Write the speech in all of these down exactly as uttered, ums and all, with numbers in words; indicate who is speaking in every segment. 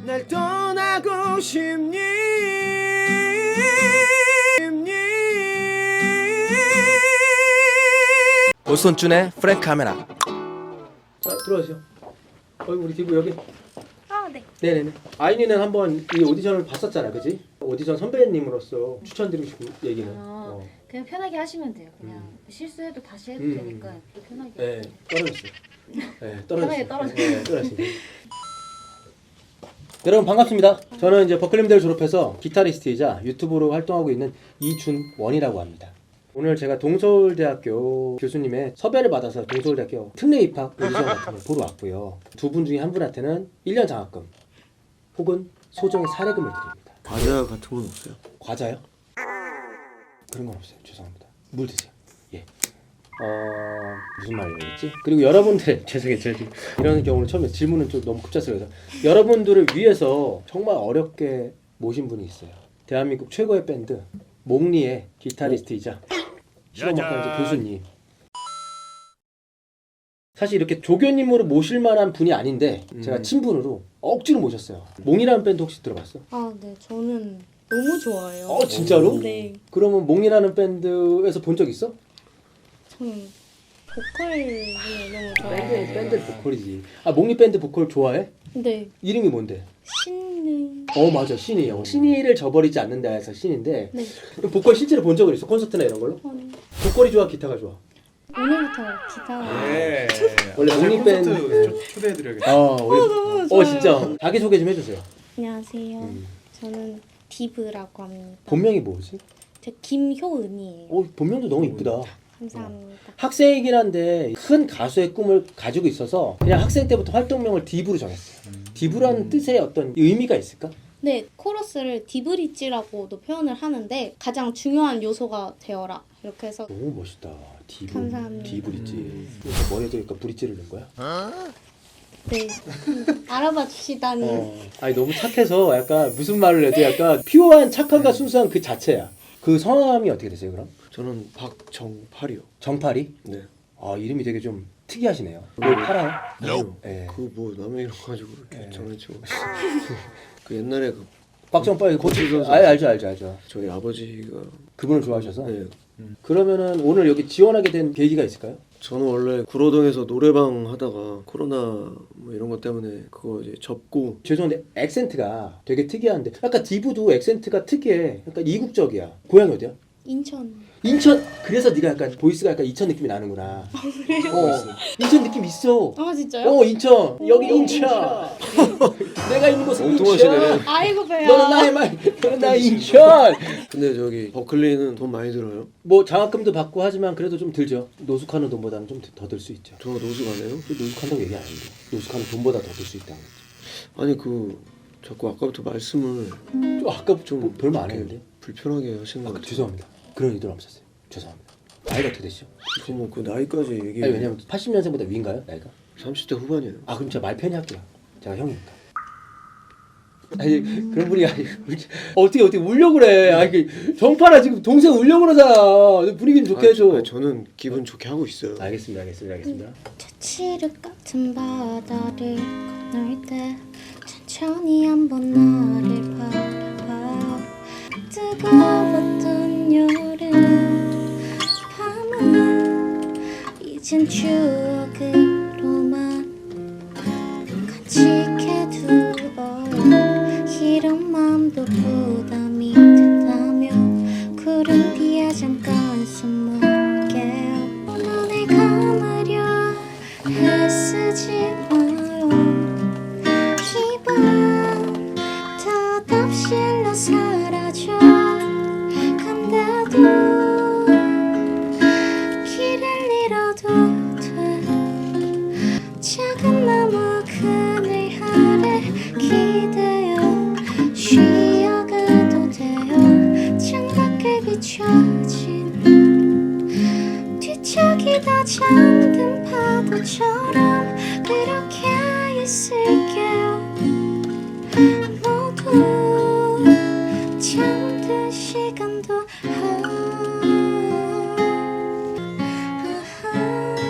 Speaker 1: 날 떠나고 싶니? 오손준의 프랭크 카메라. 자, 들어가세요. 어, 우리 디브 여기.
Speaker 2: 아, 네.
Speaker 1: 네네네. 아이니는 한번 이 오디션을 봤었잖아, 그지? 오디션 선배님으로서 추천드리고 싶은 얘기는.
Speaker 2: 아,
Speaker 1: 어.
Speaker 2: 그냥 편하게 하시면 돼요. 그냥
Speaker 1: 음.
Speaker 2: 실수해도 다시 해도
Speaker 1: 음.
Speaker 2: 되니까 편하게.
Speaker 1: 네, 떨어졌어요. 네, 떨어졌어요.
Speaker 2: 편하게 떨어졌어요.
Speaker 1: 네, 떨어졌어요. 여러분 반갑습니다. 저는 이제 버클리대를 졸업해서 기타리스트이자 유튜브로 활동하고 있는 이준원이라고 합니다. 오늘 제가 동서울대학교 교수님의 섭외를 받아서 동서울대학교 특례 입학 오디션 같은 걸 보러 왔고요. 두 분 중에 한 분한테는 일 년 장학금 혹은 소정의 사례금을 드립니다.
Speaker 3: 과자 같은 건 없어요?
Speaker 1: 과자요? 그런 건 없어요. 죄송합니다. 물 드세요. 예. 어... 무슨 말이었지? 그리고 여러분들 죄송해요. 제가 지금 이런 경우는 처음에 질문은 좀 너무 급작스러워서 여러분들을 위해서 정말 어렵게 모신 분이 있어요. 대한민국 최고의 밴드 몽리의 기타리스트이자 실험학과 교수님. 사실 이렇게 조교님으로 모실 만한 분이 아닌데
Speaker 3: 음.
Speaker 1: 제가 친분으로 억지로 모셨어요. 몽이라는 밴드 혹시 들어봤어?
Speaker 4: 아, 네. 저는 너무 좋아해요.
Speaker 1: 어 진짜로?
Speaker 4: 네.
Speaker 1: 그러면 몽이라는 밴드에서 본 적 있어?
Speaker 4: 저는 보컬을 너무 좋아해요.
Speaker 1: 밴드 밴드 보컬이지. 아 몽리 밴드 보컬 좋아해?
Speaker 4: 네.
Speaker 1: 이름이 뭔데?
Speaker 4: 신는.
Speaker 1: 어 맞아 신이요. 신이를 저버리지 않는다 해서 신인데
Speaker 4: 네.
Speaker 1: 보컬 실제로 본 적은 있어? 콘서트나 이런 걸로?
Speaker 4: 아니,
Speaker 1: 보컬이 좋아 기타가 좋아?
Speaker 4: 오늘부터 기타.
Speaker 3: 네.
Speaker 1: 원래 몽리 밴드
Speaker 3: 초대해드려야겠다.
Speaker 1: 어, 우리,
Speaker 4: 너무
Speaker 1: 어
Speaker 4: 좋아요.
Speaker 1: 진짜 자기 소개 좀 해주세요.
Speaker 4: 안녕하세요.
Speaker 1: 음.
Speaker 4: 저는 디브라고 합니다.
Speaker 1: 본명이 뭐지?
Speaker 4: 저 김효은이에요.
Speaker 1: 어 본명도 너무 이쁘다.
Speaker 4: 감사합니다.
Speaker 1: 학생이긴 한데 큰 가수의 꿈을 가지고 있어서 그냥 학생 때부터 활동명을 디브로 정했어요. 디브라는 뜻에 어떤 의미가 있을까?
Speaker 4: 네, 코러스를 디브리지라고도 표현을 하는데 가장 중요한 요소가 되어라. 이렇게 해서
Speaker 1: 너무 멋있다. 디브.
Speaker 4: 감사합니다.
Speaker 1: 디브리지.
Speaker 3: 음.
Speaker 1: 머리에 대니까 브릿지를 넣은 거야?
Speaker 4: 네. 알아봐 주시다니.
Speaker 1: 어. 아니 너무 착해서 약간 무슨 말을 해도 약간 피오한 착함과 순수한 그 자체야. 그 성함이 어떻게 되세요 그럼?
Speaker 3: 저는 박정팔이요.
Speaker 1: 정팔이?
Speaker 3: 네.
Speaker 1: 아 이름이 되게 좀 특이하시네요. 뭘 팔아요?
Speaker 3: 아니요.
Speaker 1: 네.
Speaker 3: 그 뭐 남의 이름 가지고 이렇게
Speaker 1: 네.
Speaker 3: 장난치고. 그 옛날에 그
Speaker 1: 박정팔
Speaker 3: 고치 선수.
Speaker 1: 아 알죠 알죠 알죠.
Speaker 3: 저희 아버지가
Speaker 1: 그분을 좋아하셔서.
Speaker 3: 네.
Speaker 1: 그러면은 오늘 여기 지원하게 된 계기가 있을까요?
Speaker 3: 저는 원래 구로동에서 노래방 하다가 코로나 뭐 이런 것 때문에 그거 이제 접고
Speaker 1: 죄송한데 액센트가 되게 특이한데 약간 디브도 액센트가 특이해. 약간 이국적이야. 고향이 어디야?
Speaker 4: 인천.
Speaker 1: 인천. 그래서 네가 약간 보이스가 약간 인천 느낌이 나는구나. 어, 인천 느낌 있어.
Speaker 4: 아, 진짜요?
Speaker 1: 어 인천. 여기 인천. 내가 있는 곳은
Speaker 3: 엉뚱하시네.
Speaker 1: 인천.
Speaker 4: 아이고 배야.
Speaker 1: 너는 나의 말. 너는 나의 인천.
Speaker 3: 근데 저기 버클리는 돈 많이 들어요?
Speaker 1: 뭐 장학금도 받고 하지만 그래도 좀 들죠. 노숙하는 돈보다는 좀 더 들 수 있죠.
Speaker 3: 저 노숙 안 해요?
Speaker 1: 노숙한다고 얘기 안 했는데 노숙하는 돈보다 더 들 수 있다는 거지.
Speaker 3: 아니 그 자꾸 아까부터 말씀을
Speaker 1: 좀 아까 좀 뭐, 별말 안
Speaker 3: 이렇게
Speaker 1: 했는데.
Speaker 3: 불편하게 하시는
Speaker 1: 아,
Speaker 3: 것 같아요.
Speaker 1: 죄송합니다. 그런 의도는 없었어요. 죄송합니다. 나이가 어떻게 되시죠?
Speaker 3: 그럼 그 나이까지 얘기해.
Speaker 1: 아니 왜냐면 팔십 년생보다 위인가요? 나이가?
Speaker 3: 삼십 대 후반이에요.
Speaker 1: 아 그럼 제가 말 편히 할게요. 제가 형이니까. 아니 그런 분이 아니 어떻게 어떻게 울려고 그래. 아니 정파라 지금 동생 울려고 그러잖아. 분위기 좀 좋게
Speaker 3: 아,
Speaker 1: 해줘.
Speaker 3: 저, 저는 기분 좋게 하고 있어요.
Speaker 1: 알겠습니다. 알겠습니다. 알겠습니다.
Speaker 4: 저 칠흑 같은 바다를 건널 때 천천히 한번 나를 바라봐. 뜨거웠던 여름 밤은 이젠 추억으로만 간직해두어요. 이런 맘도 부담이 된다면 구름 뒤에 잠깐 숨을게요. 눈을 감으려 애쓰지 마요. 이밤 덧없이 나 사라져 간다도 길을 잃어도 돼. 작은 나무 그늘 아래 기대어 쉬어가도 돼요. 창밖에 비춰진 뒤척이다 잠든 파도처럼 그렇게 있을게요. 모두 잠든 시간도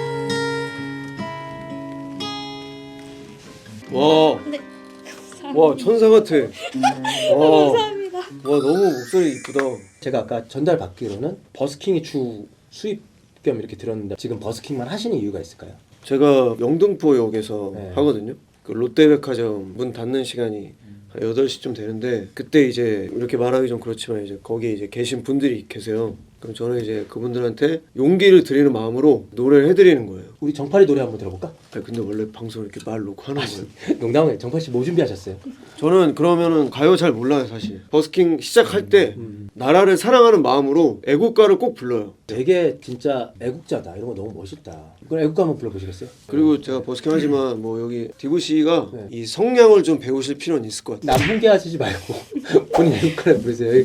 Speaker 3: 와,
Speaker 4: 네,
Speaker 3: 와 와 천사 같아. 와, 감사합니다. 와 너무 목소리 이쁘다.
Speaker 1: 제가 아까 전달 받기로는 버스킹이 주 수입 겸 이렇게 들었는데 지금 버스킹만 하시는 이유가 있을까요?
Speaker 3: 제가 영등포역에서
Speaker 1: 네.
Speaker 3: 하거든요. 그 롯데백화점 문 닫는 시간이 한 여덟 시쯤 되는데 그때 이제 이렇게 말하기 좀 그렇지만 이제 거기에 이제 계신 분들이 계세요. 그럼 저는 이제 그분들한테 용기를 드리는 마음으로 노래를 해드리는 거예요.
Speaker 1: 우리 정팔이 노래 한번 들어볼까?
Speaker 3: 아니, 근데 원래 방송 이렇게 말 놓고 하는 거예요.
Speaker 1: 농담이에요. 정팔 씨 뭐 준비하셨어요?
Speaker 3: 저는 그러면은 가요 잘 몰라요 사실. 버스킹 시작할 때
Speaker 1: 음.
Speaker 3: 나라를 사랑하는 마음으로 애국가를 꼭 불러요.
Speaker 1: 되게 진짜 애국자다. 이런 거 너무 멋있다. 그럼 애국가 한번 불러보시겠어요?
Speaker 3: 그리고 제가 버스킹 하지만 뭐 여기 디브 씨가
Speaker 1: 네.
Speaker 3: 이 성량을 좀 배우실 필요는 있을 것 같아요.
Speaker 1: 남분계 하시지 말고 본인 애국가를 부르세요.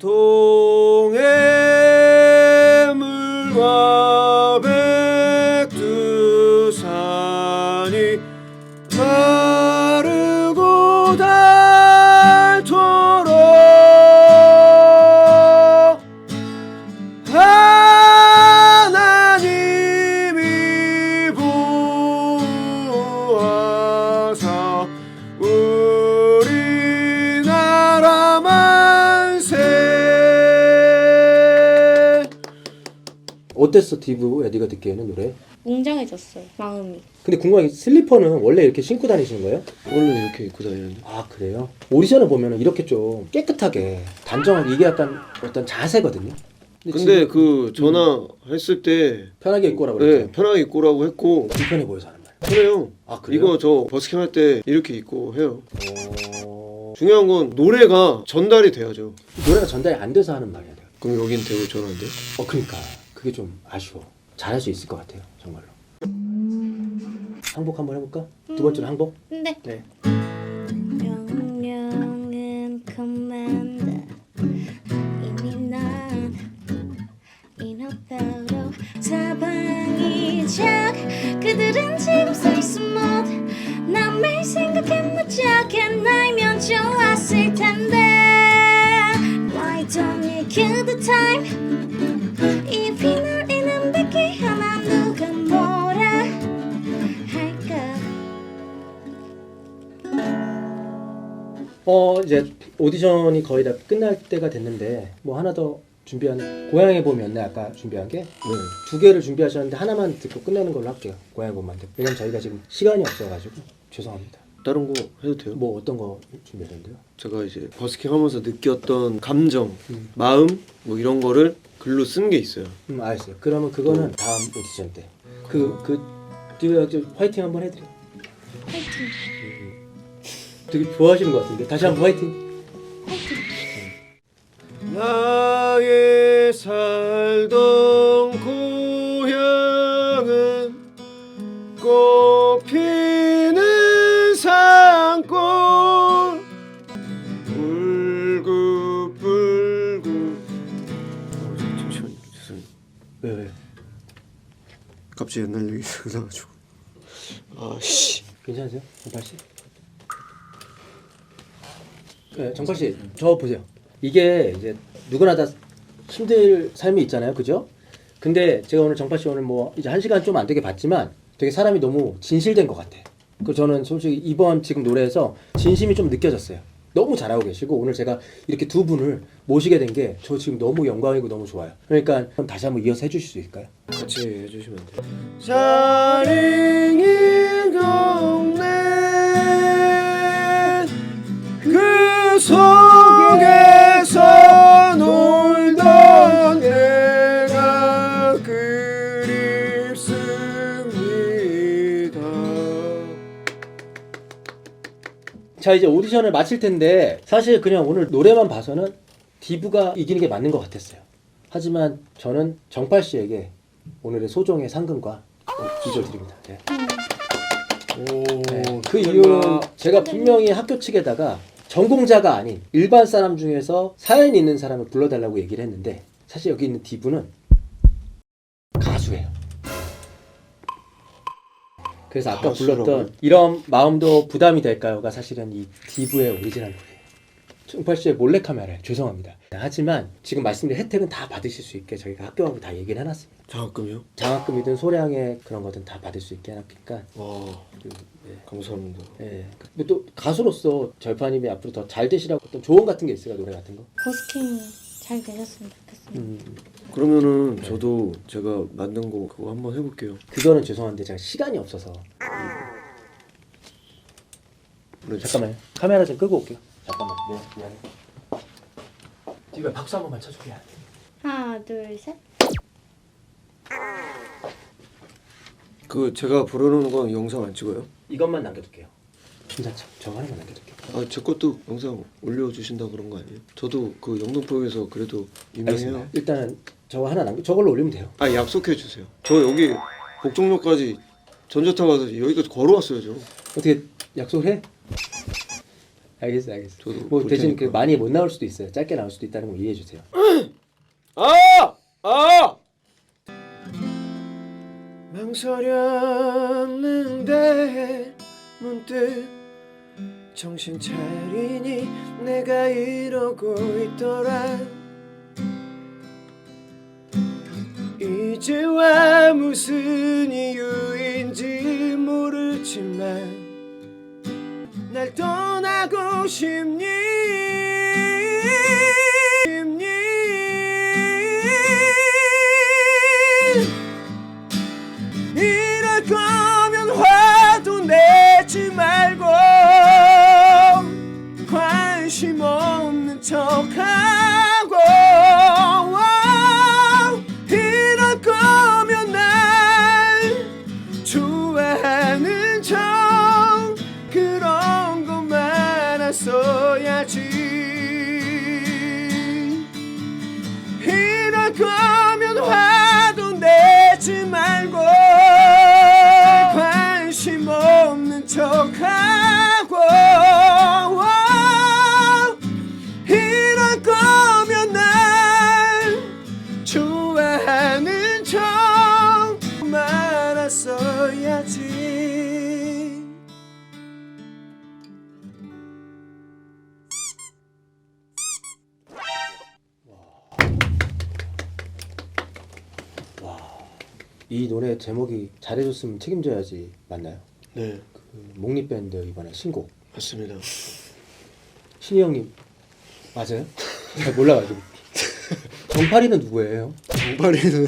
Speaker 3: 동해물과 백두산이 마르고 닳도록 하나님이 보호하사 우리나라 만세.
Speaker 1: 어땠어 디브야 네가 듣기에는 노래?
Speaker 4: 웅장해졌어요 마음이.
Speaker 1: 근데 궁금한 게 슬리퍼는 원래 이렇게 신고 다니시는 거예요?
Speaker 3: 원래 이렇게 입고 다니는데.
Speaker 1: 아 그래요? 오디션을 보면은 이렇게 좀 깨끗하게 단정하게 이게 약간 어떤 자세거든요.
Speaker 3: 근데
Speaker 1: 지금
Speaker 3: 그 전화 했을 때
Speaker 1: 편하게 입고 오라고
Speaker 3: 네,
Speaker 1: 그랬죠.
Speaker 3: 편하게 입고 오라고 했고
Speaker 1: 불편해 보여서 하는 말.
Speaker 3: 그래요.
Speaker 1: 아 그래요?
Speaker 3: 이거 저 버스킹 할 때 이렇게 입고 해요.
Speaker 1: 어...
Speaker 3: 중요한 건 노래가 전달이 돼야죠.
Speaker 1: 노래가 전달이 안 돼서 하는 말이야. 내가.
Speaker 3: 그럼 여긴 되고 저는 안 돼?
Speaker 1: 어 그러니까 그게 좀 아쉬워. 잘할 수 있을 것 같아요 정말로. 항복 한번 해볼까? 두 번째로 항복?
Speaker 4: 근데
Speaker 1: 네.
Speaker 4: 명령은 커맨드 이미 난 인어배로 사방이작 그들은 지금 서있어 못 난 매일 생각해 무작해 나이면 좋았을 텐데 Why don't you kill the time If 이 노래는 뱉기 하나 누가 뭐라 할까
Speaker 1: 어 이제 오디션이 거의 다 끝날 때가 됐는데 뭐 하나 더 준비한 고향의 봄이었네 아까 준비한 게 두
Speaker 3: 네.
Speaker 1: 개를 준비하셨는데 하나만 듣고 끝내는 걸로 할게요. 고향의 봄만 듣고. 왜냐면 저희가 지금 시간이 없어가지고 죄송합니다.
Speaker 3: 다른 거 해도 돼요?
Speaker 1: 뭐 어떤 거 준비하셨는데요?
Speaker 3: 제가 이제 버스킹 하면서 느꼈던 감정,
Speaker 1: 음.
Speaker 3: 마음 뭐 이런 거를 글로 쓴 게 있어요.
Speaker 1: 음 알았어요. 그러면 그거는 다음 오디션 때. 그그 디오 화이팅 한번 해드려.
Speaker 4: 화이팅
Speaker 1: 되게 좋아하시는 것 같은데 다시 한번 화이팅.
Speaker 3: 나의 살던 고향은 꽃피는 산골 울긋불긋. 어, 잠시만요. 죄송해요.
Speaker 1: 왜 왜?
Speaker 3: 갑자기 옛날 얘기 생각나가지고. 아씨.
Speaker 1: 괜찮으세요, 정팔 씨? 네, 정팔 씨, 저 보세요. 이게 이제 누구나 다 힘들 삶이 있잖아요, 그죠? 근데 제가 오늘 정팔 씨 오늘 뭐 이제 한 시간 좀 안 되게 봤지만 되게 사람이 너무 진실된 것 같아. 그 저는 솔직히 이번 지금 노래에서 진심이 좀 느껴졌어요. 너무 잘하고 계시고 오늘 제가 이렇게 두 분을 모시게 된 게 저 지금 너무 영광이고 너무 좋아요. 그러니까 다시 한번 이어서 해주실 수 있을까요?
Speaker 3: 같이 해주시면 돼요. 자링이 동네 그 속에서 놀던 내가 그립습니다.
Speaker 1: 자 이제 오디션을 마칠 텐데 사실 그냥 오늘 노래만 봐서는 디브가 이기는 게 맞는 것 같았어요. 하지만 저는 정팔 씨에게 오늘의 소정의 상금과 이걸 드립니다. 네.
Speaker 3: 오,
Speaker 1: 네. 그 이유는 제가 분명히 학교 측에다가 전공자가 아닌 일반 사람 중에서 사연이 있는 사람을 불러달라고 얘기를 했는데 사실 여기 있는 디브는 가수예요. 그래서 아까
Speaker 3: 가수라고요?
Speaker 1: 불렀던 이런 마음도 부담이 될까요가 사실은 이 디브의 오리지널 노래예요. 응팔 씨의 몰래 카메라에 죄송합니다. 하지만 지금 말씀드린 혜택은 다 받으실 수 있게 저희가 학교하고 다 얘기를 해놨습니다.
Speaker 3: 장학금이요?
Speaker 1: 장학금이든 소량의 그런 거든 다 받을 수 있게 해놨으니까.
Speaker 3: 와
Speaker 1: 그, 네.
Speaker 3: 감사합니다.
Speaker 1: 예. 뭐 또 가수로서 절파님이 앞으로 더 잘 되시라고 어떤 조언 같은 게 있을까, 노래 같은 거?
Speaker 2: 버스킹 잘 되셨으면 좋겠습니다.
Speaker 1: 음,
Speaker 3: 그러면은 저도 제가 만든 거 그거 한번 해볼게요.
Speaker 1: 그거는 죄송한데 제가 시간이 없어서.
Speaker 3: 네,
Speaker 1: 잠깐만요. 카메라 좀 끄고 올게요. 잠깐만. 네, 미안해. 지금 박수 한 번만 쳐줄게요.
Speaker 2: 하나, 둘, 셋.
Speaker 3: 그 제가 부르는 건 영상 안 찍어요?
Speaker 1: 이것만 남겨둘게요. 김사참, 저거 하나만 남겨둘게요.
Speaker 3: 아 제 것도 영상 올려주신다 그런 거 아니에요? 저도 그 영등포에서 그래도 유명해요.
Speaker 1: 알겠습니다. 일단은 저거 하나 남겨. 저걸로 올리면 돼요.
Speaker 3: 아 약속해 주세요. 저 여기 복종역까지 전자타 가서 여기까지 걸어왔어요 저.
Speaker 1: 어떻게 약속을 해? 알겠어, 알겠어.
Speaker 3: 저도
Speaker 1: 뭐
Speaker 3: 볼
Speaker 1: 대신 그
Speaker 3: 테니까.
Speaker 1: 많이 못 나올 수도 있어요. 짧게 나올 수도 있다는 거 이해해 주세요.
Speaker 3: 아! 아! 망설였는데 문득 정신 차리니 내가 이러고 있더라. 이제와 무슨 이유인지 모르지만 날 떠나고 싶니? 싶니? 이럴 거면 화도 내지 말고 관심 없는 척하고 이럴 거면 날 좋아하는 척 그런 거 말았어야지. 이럴 거면 화도 내지 말고 관심 없는 척하고 이럴 거면 날 좋아하는 척 말았어야지.
Speaker 1: 이 노래 제목이 잘해줬으면 책임져야지 맞나요?
Speaker 3: 네
Speaker 1: 그 목립밴드 이번에 신곡
Speaker 3: 맞습니다.
Speaker 1: 신희 형님 맞아요? 잘 몰라가지고. 정파리는 누구예요?
Speaker 3: 정파리는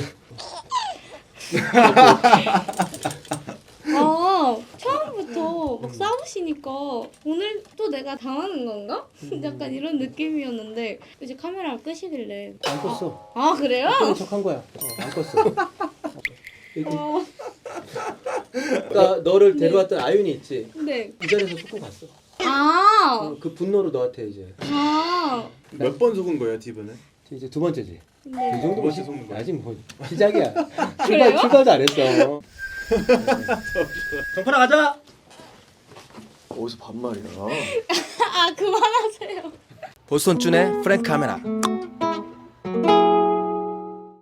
Speaker 5: 아 처음부터 막 싸우시니까 오늘 또 내가 당하는 건가? 약간 이런 느낌이었는데 이제 카메라 끄시길래
Speaker 1: 안 껐어.
Speaker 5: 아 그래요?
Speaker 1: 끄는 척한 거야. 어, 안 껐어. 여기
Speaker 5: 어,
Speaker 1: 아까 너를 데려왔던 아윤이 있지?
Speaker 5: 네.
Speaker 1: 이 자리에서 속고 갔어.
Speaker 5: 아,
Speaker 1: 어, 그 분노로 너한테 이제
Speaker 5: 아,
Speaker 6: 몇 번 속은 거예요, 디브는?
Speaker 1: 이제 두 번째지.
Speaker 5: 네.
Speaker 1: 이 정도면
Speaker 6: 번째
Speaker 1: 시-
Speaker 6: 속는 거야?
Speaker 1: 아직 뭐 시작이야.
Speaker 5: 그래요?
Speaker 1: 출발 출발도 안 했어. 정파라 가자.
Speaker 3: 어디서 반말이야?
Speaker 5: 아 그만하세요.
Speaker 7: 보스턴 준의 프랭크 카메라